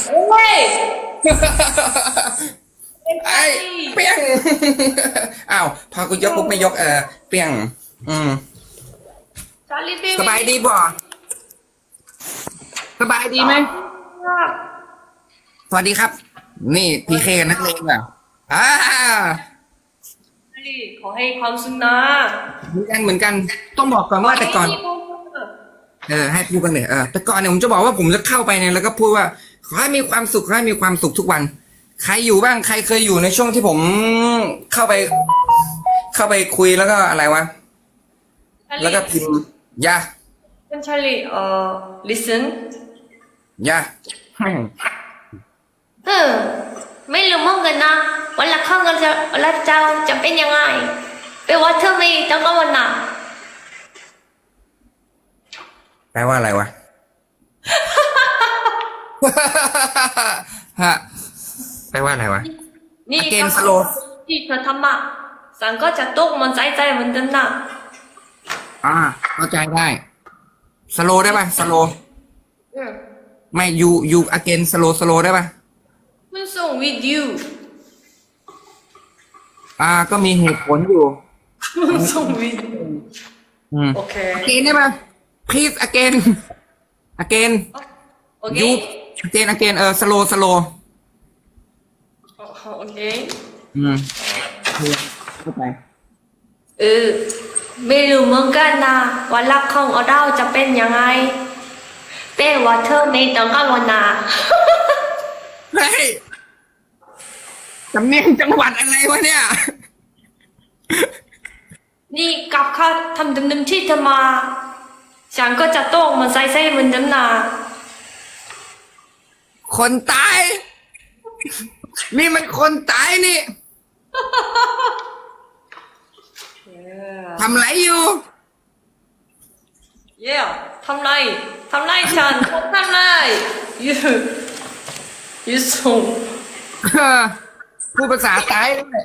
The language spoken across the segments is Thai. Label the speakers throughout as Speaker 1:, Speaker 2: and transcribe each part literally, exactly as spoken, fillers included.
Speaker 1: โอ้ยเป็นไง
Speaker 2: ไอ้เปี้ยงอ้าวพอกูยกปุ๊บไม่ยกเออเปี้ยงอืม
Speaker 1: ชาลีเบ
Speaker 2: สบายดีบ่สบายดีไหมสวัสดีครับ นี่พีเคนักเลงอ่ะอ่า
Speaker 1: ชาลีขอให้ความสุขนะ
Speaker 2: เหมือนกันเหมือนกันต้องบอกก่อนว่าแต่ก่อน เออให้พูดกันเลยเออแต่ก่อนเนี่ยผมจะบอกว่าผมจะเข้าไปเนี่ยแล้วก็พูดว่าขอให้มีความสุขขอให้มีความสุขทุกวันใครอยู่บ้างใครเคยอยู่ในช่วงที่ผมเข้าไป เข้าไปคุยแล้วก็อะไรวะแล้วก็พิมพ์ยา
Speaker 1: คุณชาลีเอ่อ listen
Speaker 2: ยา
Speaker 1: เออไม่รู้เหมือนกันนะวันละข้างกันจะแล้วเจ้าจะเป็นยังไงไปว่าเธอไม่ต้องกังวลนะ
Speaker 2: แปลว่าอะไรวะฮะแปลว่าอะไรวะ
Speaker 1: นี่
Speaker 2: again
Speaker 1: ก็
Speaker 2: slow
Speaker 1: ที่เธอทำมาสังก็จะตกมันใจใจเหมือนกันนะ
Speaker 2: อ่าเข้าใจได้สโลได้ป่ะสโล
Speaker 1: อืม
Speaker 2: ไม่ยูยู again สโลสโลได้ป่ะ
Speaker 1: คุณส่ง with you
Speaker 2: อ่าก็มีเหตุผลอยู่
Speaker 1: คุณส่ง with you
Speaker 2: อืม
Speaker 1: โอเค
Speaker 2: again ได้ป่ะ please again again
Speaker 1: โอเค
Speaker 2: you again again เออ slow slow
Speaker 1: โอเค
Speaker 2: อืมเข้าใจ
Speaker 1: เออไม่รู้เหมือนกันนะว่ารักของเราจะเป็นยังไงแต่ว่าเธอไม่ต้องกังวลนะ
Speaker 2: เฮ้ยสำเนียงจังหวัดอะไรวะเนี่ย
Speaker 1: นี่กับเขาทำดำๆที่เธอมาฉันก็จะโต้งมันใส่ใส่เหมือนเดิมนะ
Speaker 2: คนตาย นี่มันคนตายนี่ทำไรอยู่
Speaker 1: เย่ทำไรทำไรฉันทำไรยูยูส่ง
Speaker 2: เออพูดภาษาตายด้วย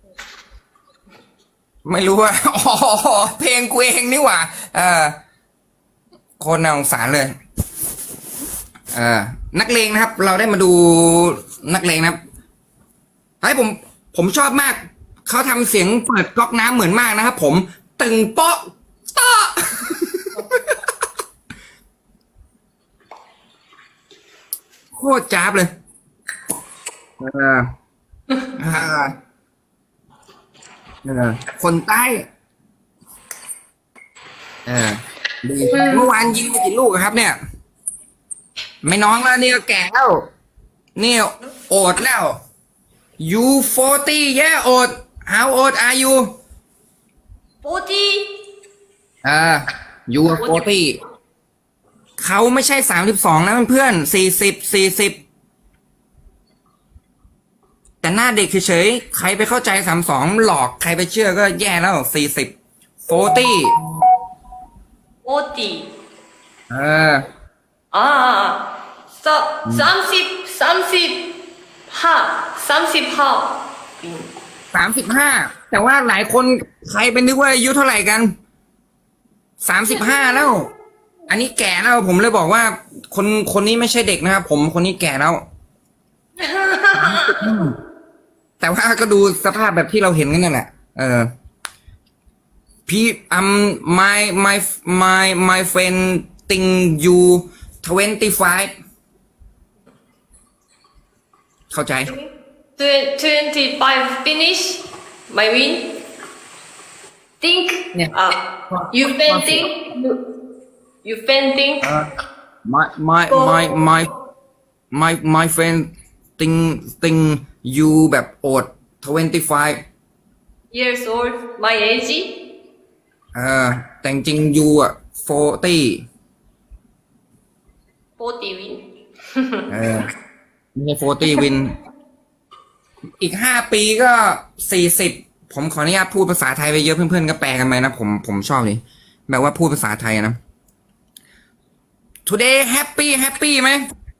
Speaker 2: ไม่รู้ว่าอ๋อเพลงกูเองนี่หว่าเออโคนน่าสงสารเลยเออนักเลงนะครับ เราได้มาดูนักเลงนะครับเฮ้ยผม ผมชอบมาก เขาทำเสียงเปิดก๊อกน้ำเหมือนมากนะครับผมตึงเปาะเตาะโคตรจ้าบเลยเออเออเออคนใต้เออดีเมื่อวานยิงไปกี่ลูกอะครับ เนี่ย ไม่น้องแล้วนี่ก็แก่แล้วนี่โอดแล้ว you forty yeah old how old are you
Speaker 1: โปรตี
Speaker 2: อ่า you are forty เขาไม่ใช่สามสิบสองนะเพื่อนสี่สิบสี่สิบแต่หน้าเด็กเฉยๆใครไปเข้าใจสามสองหลอกใครไปเชื่อก็แย่แล้วสี่สิบ forty
Speaker 1: โปรตี
Speaker 2: เออ
Speaker 1: อ่าสสามสิบสามสิบห้าสามสิบห้า
Speaker 2: สามสิบห้าแต่ว่าหลายคนใครเป็นนึกว่าอายุเท่าไหร่กันสามสิบห้าแล้ว อันนี้แก่แล้วผมเลยบอกว่า คนคนนี้ไม่ใช่เด็กนะครับผมคนนี้แก่แล้ว แต่ว่าก็ดูสภาพแบบที่เราเห็นกันนั่นแหละเออพี่อืม my my my my friend think you twenty five เข้าใจ
Speaker 1: twenty five finish my win think
Speaker 2: เนี่ย
Speaker 1: อ่ะ you fainting you you fainting
Speaker 2: my my my my my my friend think think you แบบโอด twenty five
Speaker 1: years old my age
Speaker 2: เออแต่จริง you อ่ะ forty
Speaker 1: forty win
Speaker 2: เออไม่ใช่ forty win อีกห้าปีก็สี่สิบผมขออนุญาตพูดภาษาไทยไปเยอะเพื่อนๆก็แปลกันไหมนะผมผมชอบเลยแบบว่าพูดภาษาไทยนะ today happy happy ไหม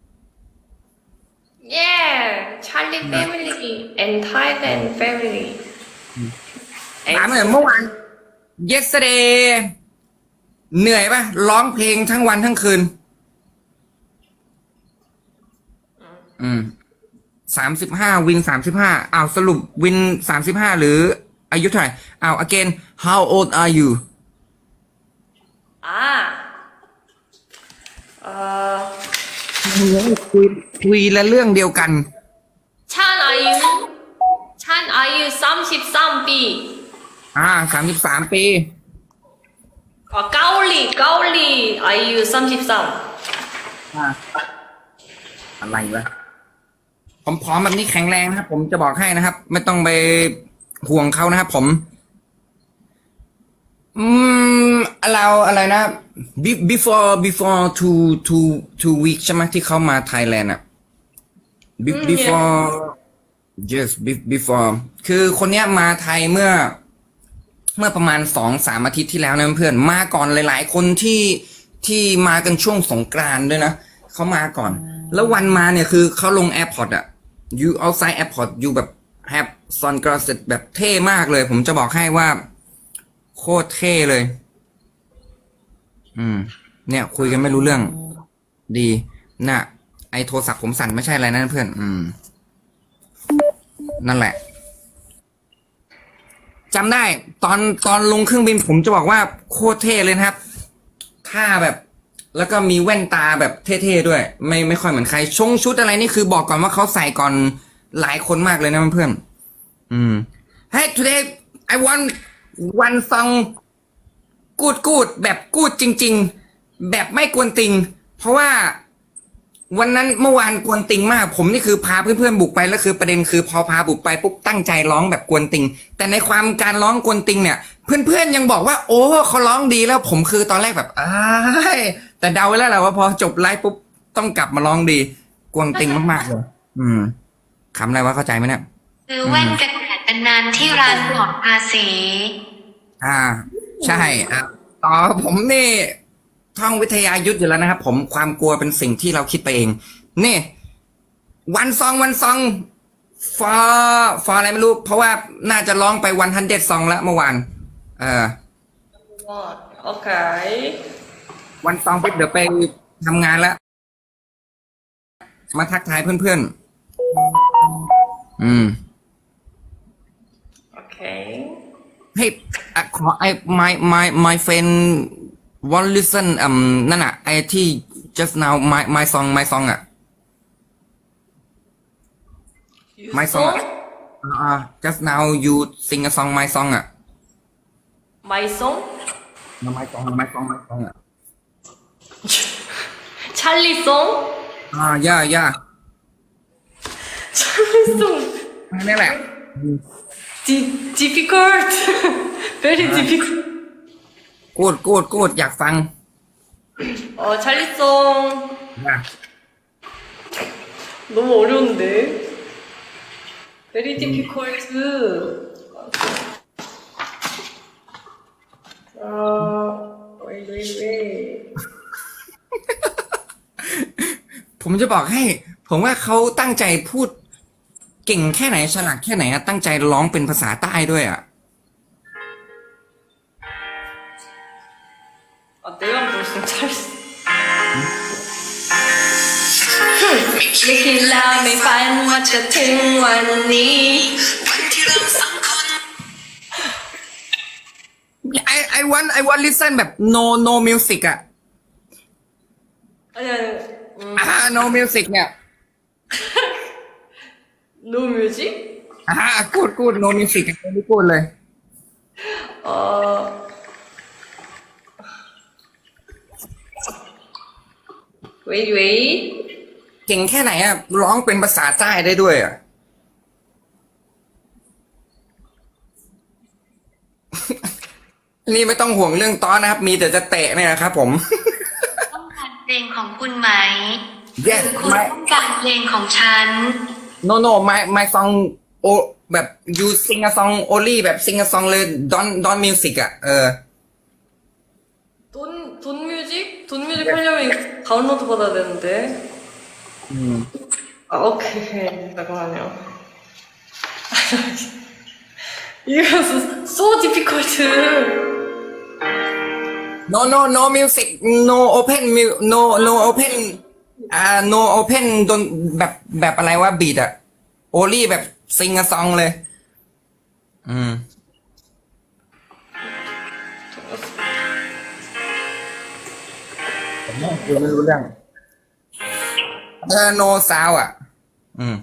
Speaker 1: yeah Charlie family and Thailand family
Speaker 2: ถามหน่อยเมื่อวาน yesterday เหนื่อยปะร้องเพลงทั้งวันทั้งคืนอืมสามสิบห้าวินสามสิบห้าอ้าวสรุปวินสามสิบห้าหรืออายุเท่าไหร่อ้าว again how old are you
Speaker 1: อ่าเอ่อ
Speaker 2: คุยคุยและเรื่องเดียวกัน
Speaker 1: ฉันอายุฉันอายุสามสิบสามปี
Speaker 2: อ่าสามสิบสามปี
Speaker 1: อ๋อเกาหลีเกาหลีอายุสามสิบสาม
Speaker 2: อ่าอะไรวะผมพร้อมแบบนี้แข็งแรงนะครับ ผมจะบอกให้นะครับ ไม่ต้องไปห่วงเขานะครับ ผม อืมเราอะไรนะ Be- before before two two two weeks ใช่ไหมที่เขามาไทยแลนด์อ่ะ Be- before yes be- before คือคนเนี้ยมาไทยเมื่อ เมื่อประมาณสองสามอาทิตย์ที่แล้วนะเพื่อนมาก่อนหลายๆคนที่ที่มากันช่วงสงกรานต์ด้วยนะเขามาก่อน แล้ววันมาเนี่ยคือเขาลงแอร์พอร์ตอะ you outside airport you แบบ have sunglasses แบบเท่มากเลย ผมจะบอกให้ว่า โคตรเท่เลย อืม เนี่ย คุยกันไม่รู้เรื่อง ดีน่ะ ไอโทรศัพท์ผมสั่นไม่ใช่อะไรนะเพื่อน อืม นั่นแหละจำได้ตอนตอนลงเครื่องบินผมจะบอกว่าโคตรเท่เลยนะครับท่าแบบ แล้วก็มีแว่นตาแบบเท่ๆด้วย ไม่ไม่ค่อยเหมือนใครชงชุดอะไรนี่คือบอกก่อนว่าเขาใส่ก่อนหลายคนมากเลยนะเพื่อนๆอืม Hey today I want one song กูดกูดแบบกูดจริงๆแบบไม่กวนติง เพราะว่าวันนั้นเมื่อวานกวนติงมาก ผมนี่คือพาเพื่อนๆบุกไปแล้วคือประเด็นคือพอพาบุกไปปุ๊บตั้งใจร้องแบบกวนติง แต่ในความการร้องกวนติงเนี่ย เพื่อนๆยังบอกว่าโอ้เขาร้องดีแล้วผมคือตอนแรกแบบอ้ายแต่เดาไว้แล้วแหละว่าพอจบไลฟ์ปุ๊บต้องกลับมาร้องดีกวนติงมากๆเลยอืมคำอะไรวะเข้าใจไหมเนี่ย
Speaker 3: ซื้อแว่นกันแดดกันนานที่ร้านปลอดภาษี
Speaker 2: อ่า ใช่อ่ะต่อผมนี่ท่องวิทยายุทธอยู่แล้วนะครับผมความกลัวเป็นสิ่งที่เราคิดไปเอง นี่ วันซองวันซองฟอฟออะไรไม่รู้ เพราะว่าน่าจะร้องไปวันฮันเด็ดซองแล้วเมื่อวานเออ
Speaker 1: โอเค
Speaker 2: วันซองปุ๊บเดี๋ยวไปทำงานแล้ว มาทักทายเพื่อนๆ อืม
Speaker 1: โอเค
Speaker 2: เฮ้ยอ่ะขอไอ้ my my my friend want listen อืมนั่นอ่ะไอ้ที่ just now my my song my song อ่ะ my song อ่ะอ่า just now you sing a song my song อ่ะ
Speaker 1: My song
Speaker 2: my song my song my song อ่ะ
Speaker 1: 찰리 song
Speaker 2: อ่าย่าย่า
Speaker 1: 찰리 song
Speaker 2: นี่แหละ
Speaker 1: Di- difficult very difficult
Speaker 2: กูดกูดกูดอยากฟัง
Speaker 1: 어 찰리 song
Speaker 2: อ่ะ
Speaker 1: 너무 어려운데 very difficult 아 wait wait wait
Speaker 2: ผมจะบอกให้ ผมว่าเขาตั้งใจพูดเก่งแค่ไหนฉลาดแค่ไหนอะตั้งใจร้องเป็นภาษาใต้ด้วยอ่ะ
Speaker 1: 아 내가 무슨 찰리ไม่คิดแล้วไม่ฝันว่าจะถึงวันนี้
Speaker 2: I I want I want listen แบบ no no music อ่ะ
Speaker 1: 아니 아니 음,
Speaker 2: อ่า no music เนี่ย
Speaker 1: no music
Speaker 2: อ่ากูดกูด no music ไม่พูดเลย
Speaker 1: 어 wait wait
Speaker 2: เก่งแค่ไหนอ่ะร้องเป็นภาษาใต้ได้ด้วยอ่ะ นี่ไม่ต้องห่วงเรื่องต้อนนะครับ มีแต่จะเตะเนี่ยนะครับผม
Speaker 3: ต้องการเพลงของคุณไหม
Speaker 2: yes
Speaker 3: คุณ
Speaker 2: my
Speaker 3: ต้องการเพลงของฉัน
Speaker 2: no no my my song โอแบบ you sing a song only แบบ sing a song เลย don't don't music อ่ะเออ
Speaker 1: 돈, 돈 뮤직? 돈 뮤직 하려면 다운로드 받아야 되는데.
Speaker 2: 음.
Speaker 1: 아, 오케이. 잠깐만요. 이거 so difficult.
Speaker 2: no no no music no open mu no no open อ่า no open ดนแบบแบบอะไรวะบีดอะโอลี่แบบซิงกะซองเลย อืมผมไม่คุยไม่รู้เรื่องเออ no sound อ่ะ อืม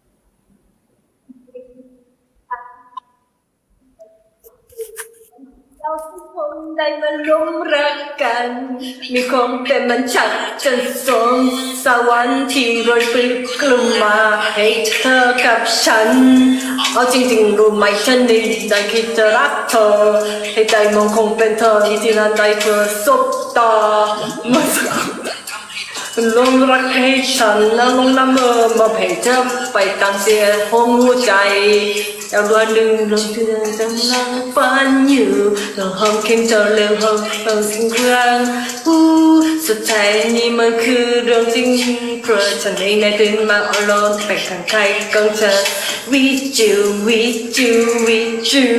Speaker 1: เราทุกคนได้มาร่วมรักกัน มีความเป็นมันฉันจนสมสวรรค์ที่โรยปลิวกลุ่มมาให้เธอกับฉัน เอาจริงๆรู้ไหมฉันนี่ได้คิดจะรักเธอ ให้ใจมองคงเป็นเธอที่นั้นได้เธอสบตามาสัก ลงรักให้ฉันแล้วลงน้ำเมอมาให้เธอไปตามเสียห้องหัวใจแต่วันหนึ่งลงที่เดินจังลังฝันอยู่เราห้องเข็มเจอเรื่องห้องเราสิ่งครั้งอู้สุดท้ายนี่มันคือเรื่องจริงเพราะฉันเองได้ตื่นมาอารมณ์ไปข้างใครของเธอ with you with you with you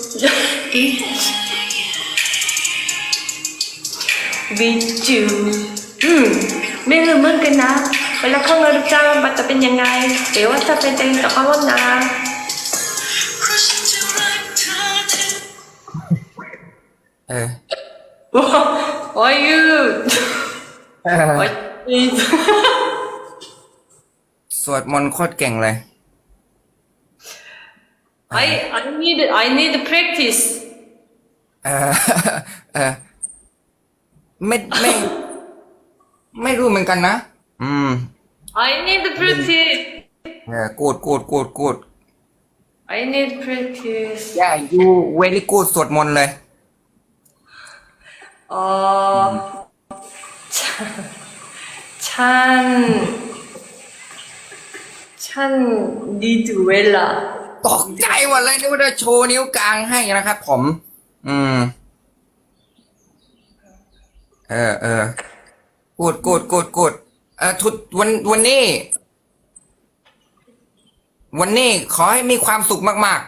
Speaker 1: with you อืมไม่รู้เหมือนกันนะเวลาเข้างานจ้างมันจะเป็นยังไงเดี๋ยวว่าจะเป็นเองแต่ก็ว่านะ
Speaker 2: เออ
Speaker 1: Why you
Speaker 2: เออ
Speaker 1: Why you
Speaker 2: สวดมนต์โคตรเก่งเลย
Speaker 1: I I need I need practice
Speaker 2: เออ เออ ไม่ไม่ ไม่รู้เหมือนกันนะ อืม
Speaker 1: I need practice
Speaker 2: เออ กูดกูดกูดกูด
Speaker 1: I need practice
Speaker 2: ย่า you very good สวดมนต์เลย
Speaker 1: เออฉันฉันฉันดีดูเวลา
Speaker 2: ตกใจหมดเลยนึกว่าจะโชว์นิ้วกลางให้นะครับผม อืม เออเออกูดกูดกูดกูดเออทุกวันวันนี้ วันนี้ขอให้มีความสุขมาก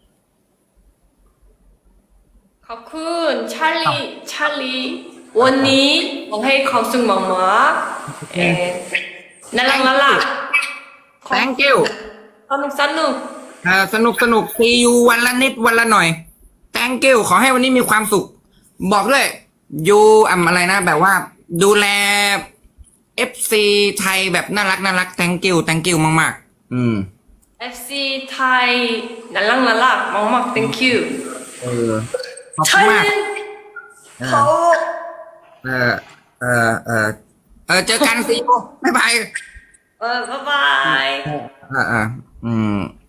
Speaker 1: ขอบคุณชาลีชาลีวันนี้ผมให้ความสุขมากๆเอ่อน่ารักน่ารัก
Speaker 2: ๆ thank you
Speaker 1: สนุกสนุก
Speaker 2: เออสนุกสนุก see you วันละนิดวันละหน่อย thank you ขอให้วันนี้มีความสุข บอกด้วย you อ่ำอะไรนะ แบบว่า ดูแล เอฟ ซี ไทยแบบน่ารักน่ารัก thank you thank you มากๆ อืม
Speaker 1: เอฟ ซี ไทยน่ารักน่ารักมากๆ thank you
Speaker 2: เออขอบคุ
Speaker 1: ใช่
Speaker 2: ณมาก
Speaker 1: เขา
Speaker 2: เออเออเออเออเจอกัน see you บ๊ายบาย
Speaker 1: เออบ๊ายบาย
Speaker 2: อ่าอ่าอืม